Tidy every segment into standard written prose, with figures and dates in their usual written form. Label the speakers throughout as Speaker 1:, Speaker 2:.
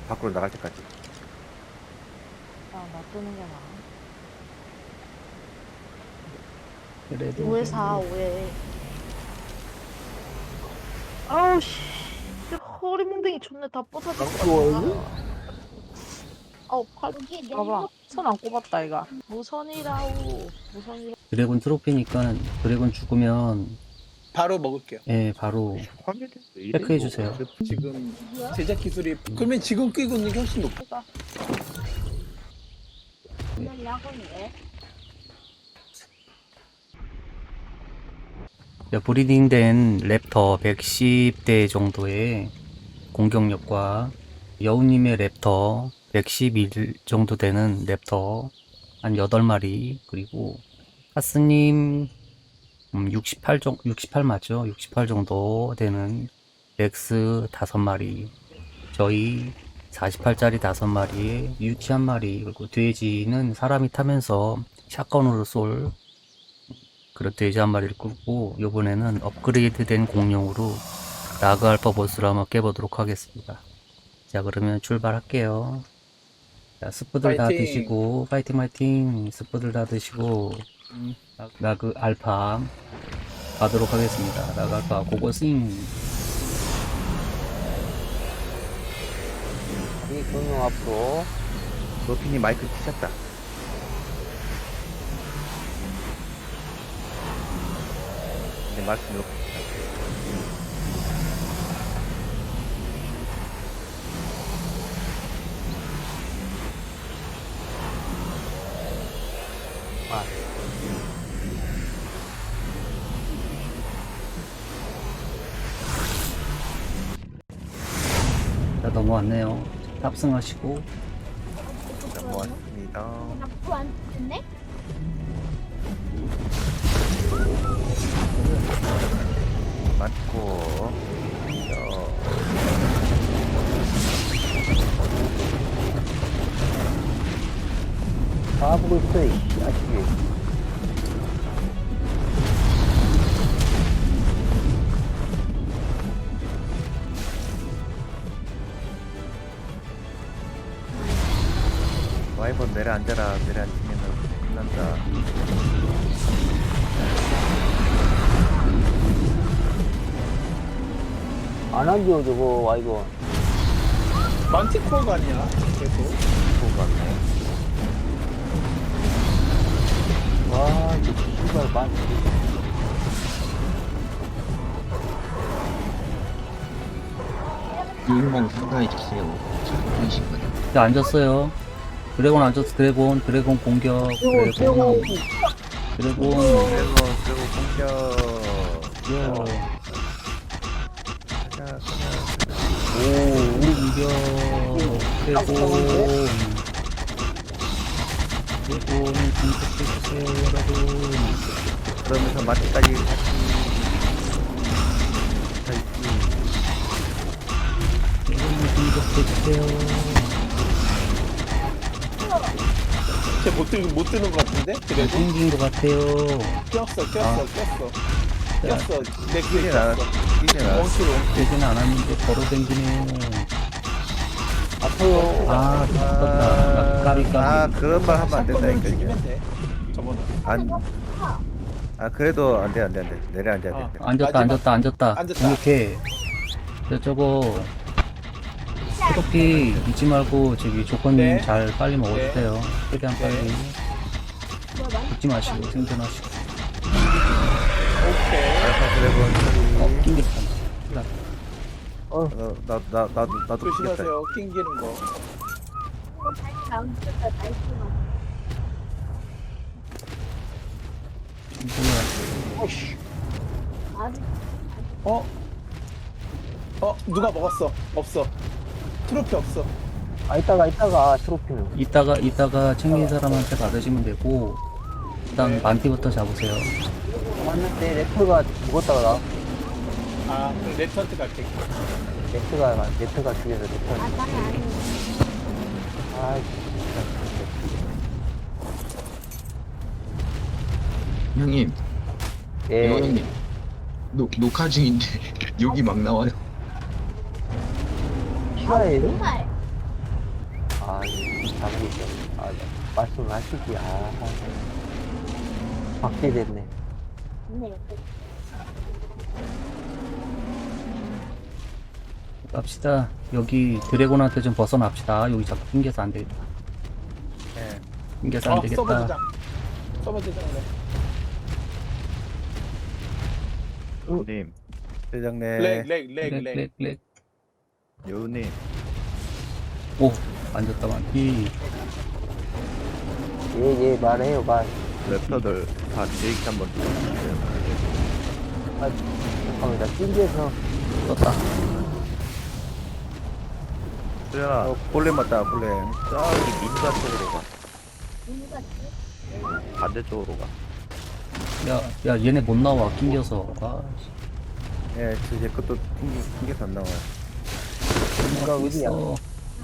Speaker 1: 밖으로 나갈 때까지.
Speaker 2: 아, 놔두는 게 나아.
Speaker 3: 그래도
Speaker 2: 5에 4, 5에. 아우, 씨. 허리 몽댕이 존나 다 부서질 것 같아. 아우, 팔, 봐봐. 손 안 꼽았다, 이가. 무선이라우. 무선이라우.
Speaker 3: 드래곤 트로피니까 드래곤 죽으면
Speaker 4: 바로 먹을게요.
Speaker 3: 예 바로
Speaker 1: 화면이 왜 이래,
Speaker 3: 체크해
Speaker 1: 이거.
Speaker 3: 주세요.
Speaker 4: 지금 제작 기술이 그러면 지금 끼고 있는 게 훨씬 높아.
Speaker 3: 브리딩된 랩터 110대 정도의 공격력과 여우님의 랩터 111 정도 되는 랩터 한 8마리, 그리고 하스님 68 맞죠? 68 정도 되는 렉스 5마리, 저희 48짜리 5마리에 유치 1마리, 그리고 돼지는 사람이 타면서 샷건으로 쏠 그런 돼지 1마리를 끌고, 요번에는 업그레이드 된 공룡으로 라그 알파 보스를 한번 깨보도록 하겠습니다. 자, 그러면 출발할게요. 자, 스프들 다
Speaker 4: 파이팅.
Speaker 3: 드시고, 파이팅! 스프들 다 드시고, 라그 알파 가도록 하겠습니다. 라그 알파 고고싱!
Speaker 5: 이 공룡 앞으로.
Speaker 1: 노피님 마이크 치셨다. 네, 말씀 놓고.
Speaker 3: 자, 넘어왔네요. 탑승하시고,
Speaker 1: 넘어왔습니다.
Speaker 6: 나쁘 안 됐네?
Speaker 1: 맞고.
Speaker 5: 다 보고 있어, 이 자식이.
Speaker 1: 와이번 내려앉아라. 내려앉으면 끝난다.
Speaker 5: 안 하죠, 저거, 와이번.
Speaker 4: 만티코어가 아니야. 계속.
Speaker 1: 보고 갔네.
Speaker 5: 와, 이거 씨발, 많지.
Speaker 7: 유인만 상가해 주세요. 보이시거든.
Speaker 3: 자, 앉았어요. 드래곤 앉았어, 드래곤 공격, 드래곤.
Speaker 1: 그리고 공격.
Speaker 3: 요.
Speaker 1: 가자, 가자.
Speaker 3: 오, 공격, 드래곤. 드래곤 공격해주세요, 여러분.
Speaker 1: 그러면서 마트까지 같이.
Speaker 3: 드래곤 공격해주세요.
Speaker 4: 쟤못 드는 것 같은데? 그래도
Speaker 3: 생긴 것 같아요.
Speaker 4: 꼈어. 내 귀에
Speaker 1: 끼진 않았,
Speaker 4: 꼈어.
Speaker 1: 끼진 않았.
Speaker 4: 원수로.
Speaker 3: 되지는 않았는데 걸어댕기네요.
Speaker 5: 아파요.
Speaker 3: 아, 죽었다. 까비.
Speaker 1: 아, 그런 말 하면 안 된다니까, 이게.
Speaker 4: 죽이면 돼. 저번에.
Speaker 1: 그래도 안 돼. 내려앉아야 돼.
Speaker 3: 앉았다.
Speaker 4: 앉았다.
Speaker 3: 공격해. 저거 트로피 잊지 말고 저기 조건
Speaker 4: 네.
Speaker 3: 잘 빨리 먹어주세요. 최대한
Speaker 4: 네.
Speaker 3: 빨리. 잊지 마시고 생존하시고.
Speaker 4: 오케이.
Speaker 1: 알파 드래곤 처리.
Speaker 3: 낑겼다.
Speaker 1: 나도 죽겠다.
Speaker 4: 조심하세요. 낑기는 거.
Speaker 6: 다음 주에 날씨가. 아직
Speaker 4: 누가 먹었어? 없어. 트로피 없어.
Speaker 5: 이따가, 트로피는.
Speaker 3: 이따가 챙긴 사람한테 받으시면 되고, 일단
Speaker 4: 네.
Speaker 3: 만티부터 잡으세요.
Speaker 5: 왔는데, 레터가 죽었다가 나.
Speaker 4: 아, 그럼 레터한테 갈게.
Speaker 5: 레터가 죽여서 레터.
Speaker 6: 나는 아니야.
Speaker 5: 아,
Speaker 7: 형님,
Speaker 5: 예.
Speaker 7: 형님, 녹화 중인데 욕이 막 나와요.
Speaker 5: 싫어해.
Speaker 6: 정말.
Speaker 5: 잠고 있어. 아, 말씀을 하시지. 박제됐네.
Speaker 6: 네.
Speaker 3: 갑시다. 여기 드래곤한테 좀 벗어납시다. 여기 자꾸 낑겨서 안 되겠다.
Speaker 1: 예.
Speaker 3: 낑겨서 안
Speaker 4: 서버
Speaker 3: 되겠다.
Speaker 4: 대장. 서버 대장이네.
Speaker 1: 님. 대장님.
Speaker 4: 렉.
Speaker 1: 여우님.
Speaker 3: 오, 만졌다, 만기.
Speaker 5: 예, 말해요, 말.
Speaker 1: 랩터들 다 제이크 한번 주세요.
Speaker 5: 잠깐만, 나 찡겨서.
Speaker 3: 떴다.
Speaker 1: 수연아, 골렘 맞다, 골렘. 저기 민가 쪽으로 가. 반대쪽으로 가.
Speaker 3: 야, 얘네 못 나와, 낑겨서. 아,
Speaker 1: 예, 제 것도 튕겨서 안 나와요.
Speaker 5: 민가 어디야?
Speaker 3: 있어.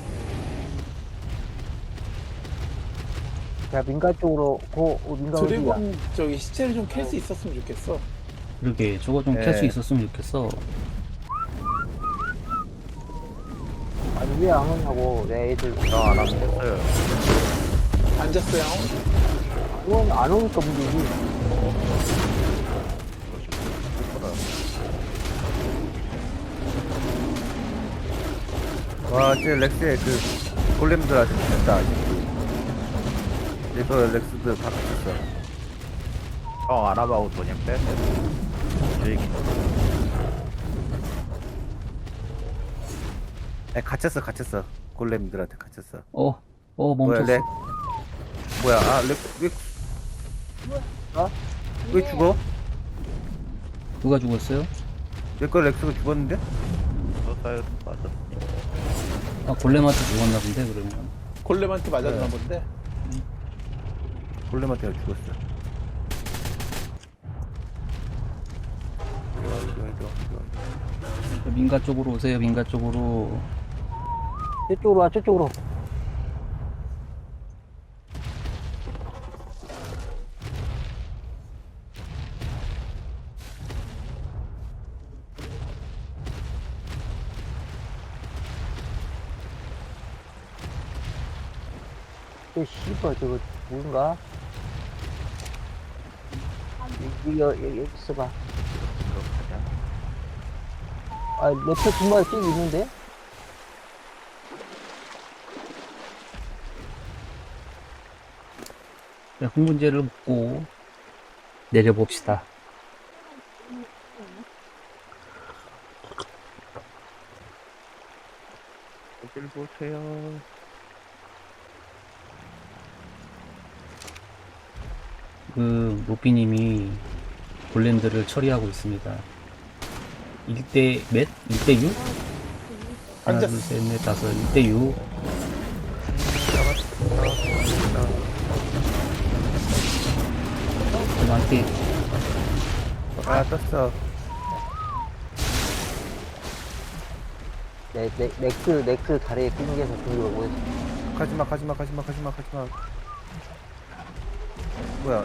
Speaker 5: 자, 민가 쪽으로 민가 어디야?
Speaker 4: 드래곤 저기 시체를 좀 캘 수 있었으면 좋겠어.
Speaker 3: 그러게, 저거 좀 캘 수
Speaker 1: 네.
Speaker 3: 있었으면 좋겠어.
Speaker 5: 아니, 왜 안 오냐고, 내 애들.
Speaker 1: 안 하면 됐어요.
Speaker 4: 앉았어요.
Speaker 5: 그건 안 오니까 문제지.
Speaker 1: 와, 제 렉스의 그 골렘들한테 됐다. 이거 렉스들 다 갇혔어. 알아봐고 그냥 뺐네. 갇혔어. 골렘들한테 갇혔어.
Speaker 3: 멈췄어.
Speaker 1: 렉? 뭐야, 왜 죽어?
Speaker 3: 누가 죽었어요?
Speaker 1: 내거 렉스가 죽었는데? 맞아.
Speaker 3: 아, 골렘한테 죽었나 본데, 그러면.
Speaker 4: 골렘한테 맞았나
Speaker 1: 네.
Speaker 4: 본데.
Speaker 1: 골렘한테 죽었어.
Speaker 3: 민가 쪽으로 오세요, 민가 쪽으로.
Speaker 5: 저쪽으로 와, 저쪽으로. 씨발, 저거, 뭔가? 여기 있어봐. 랩터 두 마리 씩 있는데?
Speaker 3: 네, 흥분제를 먹고 내려봅시다.
Speaker 1: 어딜 보세요.
Speaker 3: 그 로피님이 골렘들을 처리하고 있습니다. 1대 몇? 1대 6? 하나, 둘, 셋, 넷, 다섯. 1대 6. 저한테
Speaker 1: 떴어.
Speaker 5: 넥스 다리에 낑겨서 들고 오고 있어.
Speaker 1: 가지마. 뭐야,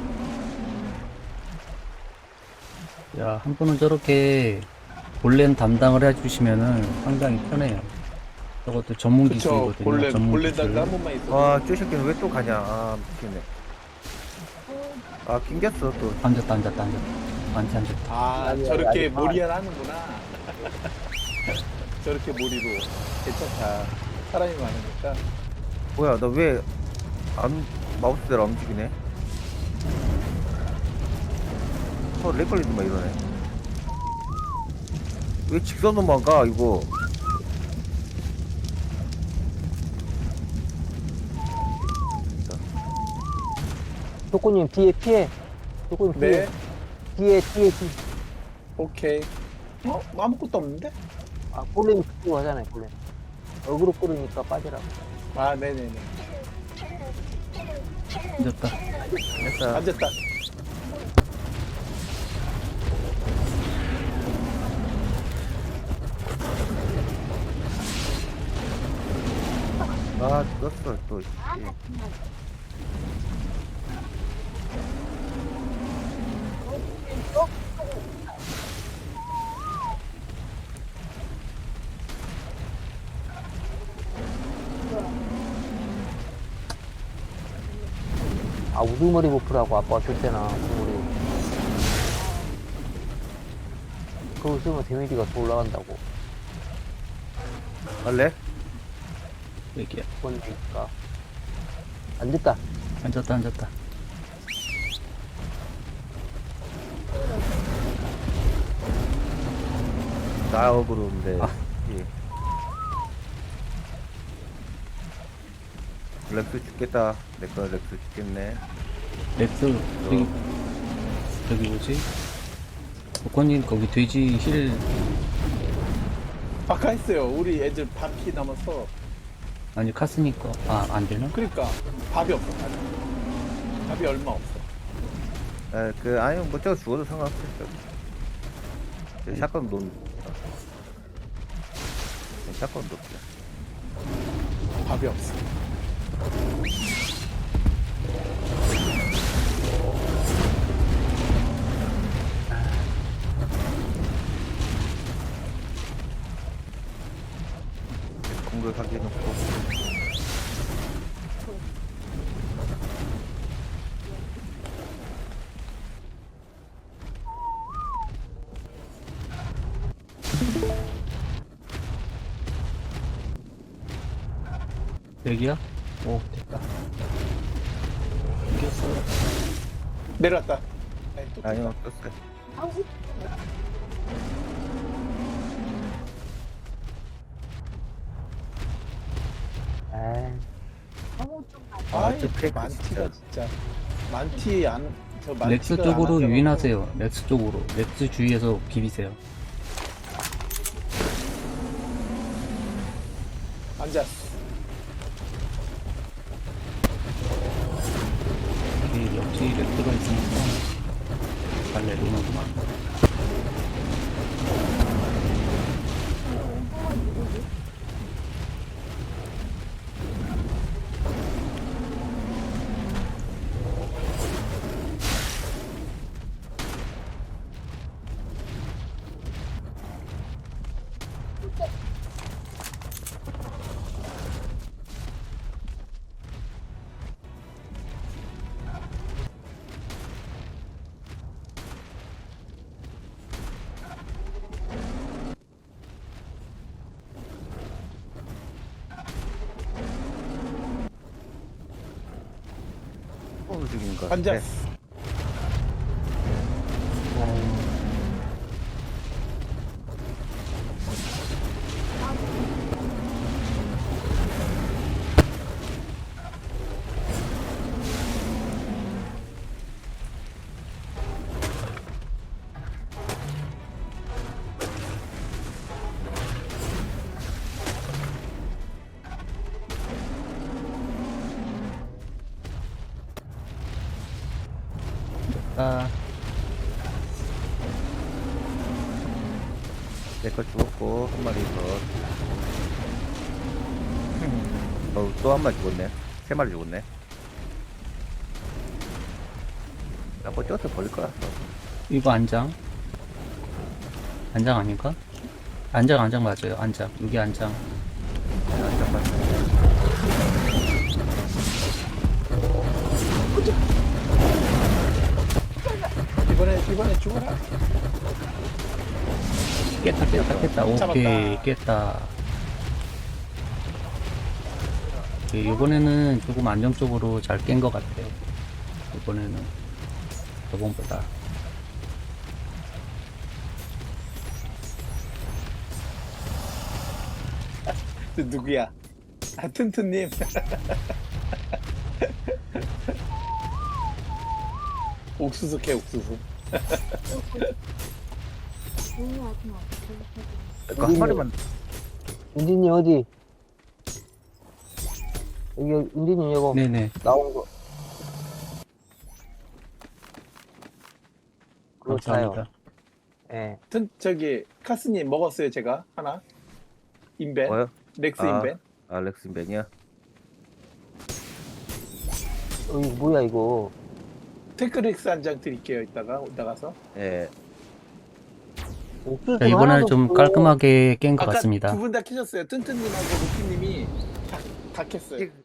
Speaker 3: 야, 한 분은 저렇게 골렘 담당을 해주시면은 상당히 편해요. 저것도 전문
Speaker 4: 그쵸.
Speaker 3: 기술이거든요. 전문
Speaker 4: 골렘
Speaker 3: 기술.
Speaker 4: 달도 한 번만 있어.
Speaker 1: 와, 저 새끼는 왜 또 가냐. 미치겠네. 낑겼어, 또.
Speaker 3: 앉았다. 앉았다.
Speaker 4: 아, 저렇게 몰이를 하는구나. 저렇게 몰이로. 괜찮다. 사람이 많으니까.
Speaker 1: 뭐야, 나 왜 마우스대로 안 움직이네? 렉 걸리는 막 이러네. 왜 직선으로만 가, 이거?
Speaker 5: 조코님 뒤에 피해. 조코님
Speaker 4: 네.
Speaker 5: 뒤에.
Speaker 4: 오케이. 아무것도 없는데?
Speaker 5: 골렘이 그쪽으로 하잖아요, 골렘. 어그로 끌으니까 빠지라고.
Speaker 4: 아, 네네네.
Speaker 3: 앉았다.
Speaker 1: 됐어.
Speaker 4: 앉았다.
Speaker 1: 떴어, 또.
Speaker 5: 아, 우두머리 버프라고 아빠가 줬잖아, 우두머리. 그거 쓰면 데미지가 더 올라간다고.
Speaker 1: 할래?
Speaker 3: 여기야.
Speaker 5: 그거니까. 안 됐다.
Speaker 3: 앉았다, 앉았다.
Speaker 1: 나 어그로인데.
Speaker 3: 아.
Speaker 1: 예. 렉스 죽겠다. 내거 렉스 죽겠네.
Speaker 3: 렉스, 저기 뭐지? 복권님, 거기 돼지 힐,
Speaker 4: 아까 했어요. 우리 애들 반피 남아서.
Speaker 3: 아니, 카스니까. 아, 안 되나?
Speaker 4: 그러니까 밥이 없어. 밥이 얼마 없어.
Speaker 1: 아니, 뭐, 저거 죽어도 상관없어. 샷건 논. 샷건 논.
Speaker 4: 밥이 없어.
Speaker 1: 공격하기 해놓고.
Speaker 3: 여기야? 오, 됐다. 이겼어.
Speaker 4: 내려왔다. 아니, 또
Speaker 1: 아니요, 떴어요.
Speaker 6: 아우,
Speaker 5: 에이,
Speaker 6: 너무 좀
Speaker 4: 아이,
Speaker 1: 저 팩
Speaker 4: 만티가 진짜. 만티 안, 저 만티가
Speaker 3: 렉스
Speaker 4: 안
Speaker 3: 쪽으로
Speaker 4: 하더라고.
Speaker 3: 유인하세요. 렉스 쪽으로. 렉스 주위에서 비비세요.
Speaker 4: 앉았어.
Speaker 3: 여기 역시 렉스가 있으니까 잘 내려오는구만.
Speaker 1: 죽인 것 같아.
Speaker 4: 앉았어.
Speaker 3: 아,
Speaker 1: 내거 죽었고, 한 마리 더. 또 한 마리 죽었네. 세 마리 죽었네. 나 뭐 쪄서 버릴 거야.
Speaker 3: 이거 안장. 안장 아닌가? 안장 맞아요. 안장. 여기 안장.
Speaker 1: 잠깐만.
Speaker 4: 이번에 죽어라.
Speaker 3: 깼다. 오케이,
Speaker 4: 잡았다.
Speaker 3: 깼다. 오케이, 이번에는 조금 안정적으로 잘 깬 것 같아. 이번에는 저번보다.
Speaker 4: 저 누구야? 아, 튼튼님. 옥수수 캐, 옥수수.
Speaker 6: 조용하지 마.
Speaker 1: 내거 한 마리만.
Speaker 5: 윤디님 어디? 여기, 윤디님 이거
Speaker 3: 네네.
Speaker 5: 나온 거. 그거 사요.
Speaker 3: 감사합니다.
Speaker 5: 예.
Speaker 4: 저기 카스님 먹었어요, 제가 하나. 인벤.
Speaker 1: 뭐요?
Speaker 4: 렉스
Speaker 1: 아.
Speaker 4: 인벤.
Speaker 1: 알렉스맨이야.
Speaker 5: 이거 뭐야, 이거.
Speaker 4: 테크렉스 한 장 드릴게요. 이따가 나가서.
Speaker 1: 예.
Speaker 5: 옥수수
Speaker 3: 자, 이번에는
Speaker 5: 하나도
Speaker 3: 좀
Speaker 5: 없고.
Speaker 3: 깔끔하게 깬 것
Speaker 4: 아까
Speaker 3: 같습니다.
Speaker 4: 두 분 다 캐셨어요. 튼튼님하고 루피님이 다 캤어요.